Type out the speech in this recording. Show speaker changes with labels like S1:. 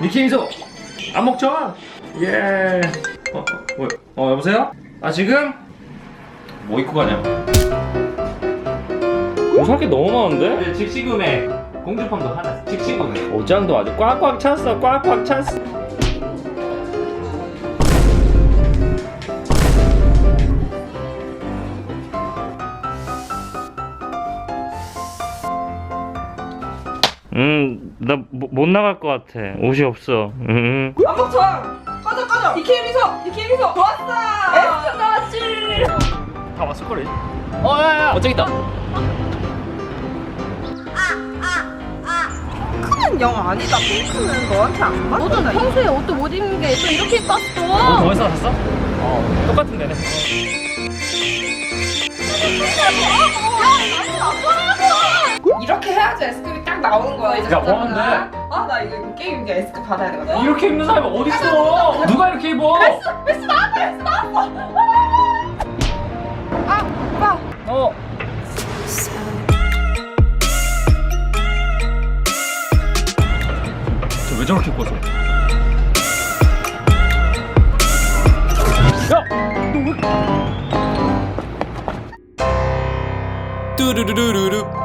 S1: 니키 미소 안 먹죠? 예. 여보세요? 아 지금? 뭐 입고 가냐? 살 게 너무 많은데?
S2: 직시금에 공주품도 하나 직시금에
S1: 옷장도 아주 꽉꽉 찼어. 꽉꽉 찼어. 나 못 나갈 것 같아. 옷이 없어.
S3: 안목청 꺼져 니키 미소 좋았어. 에스크 나왔지.
S1: 다 왔을 거래. 야야. 저기 있다.
S3: 핑크는 영 아니다. 핑크는 너한테 안 맞아.
S4: 너도 평소에 옷도 못 입는 게 또 이렇게
S1: 너
S4: 입었어.
S1: 어디서 샀어? 똑같은 데네.
S3: 이렇게 해야지 S급이 딱 나오는 거야. 이제
S1: 야, 뭐 하는데?
S3: 나 이거 게임 이제 S급 받아야 되거든.
S1: 이렇게 입는 사람이 어딨어? 누가 이렇게 입어?
S3: S 나왔어. 오빠.
S1: 저 왜 저렇게 입고 왔어? 야!
S2: 뚜루루루루